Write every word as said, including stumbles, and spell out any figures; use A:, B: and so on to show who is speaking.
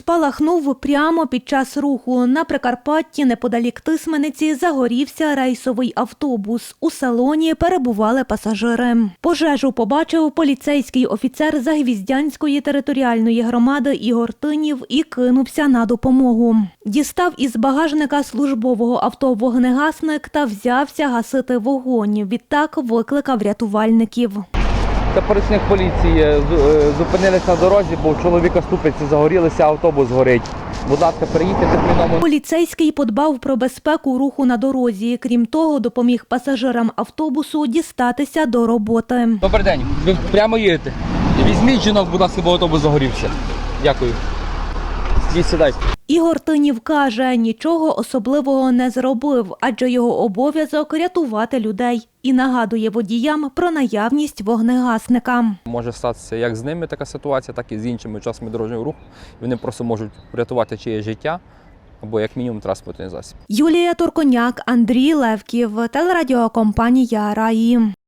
A: спалахнув прямо під час руху. На Прикарпатті, неподалік Тисмениці, загорівся рейсовий автобус. У салоні перебували пасажири. Пожежу побачив поліцейський офіцер Загвіздянської територіальної громади Ігор Тинів і кинувся на допомогу. Дістав із багажника службового авто вогнегасник та взявся гасити вогонь. Відтак викликав рятувальників.
B: Та працівник поліції зупинилися на дорозі, бо у чоловіка ступиці загорілися, автобус горить. Будь ласка, приїдьте терміново.
A: Поліцейський подбав про безпеку руху на дорозі. Крім того, допоміг пасажирам автобусу дістатися до роботи.
B: Добрий день, ви прямо їдете. Візьміть жінок, будь ласка, бо автобус загорівся. Дякую. Сідайте.
A: Ігор Тинів каже, нічого особливого не зробив, адже його обов'язок – рятувати людей. І нагадує водіям про наявність вогнегасника.
C: Може статися як з ними така ситуація, так і з іншими учасниками дорожнього руху. Вони просто можуть врятувати чиєсь життя або як мінімум транспортний засіб.
A: Юлія Турконяк, Андрій Левків, телерадіокомпанія «Раї».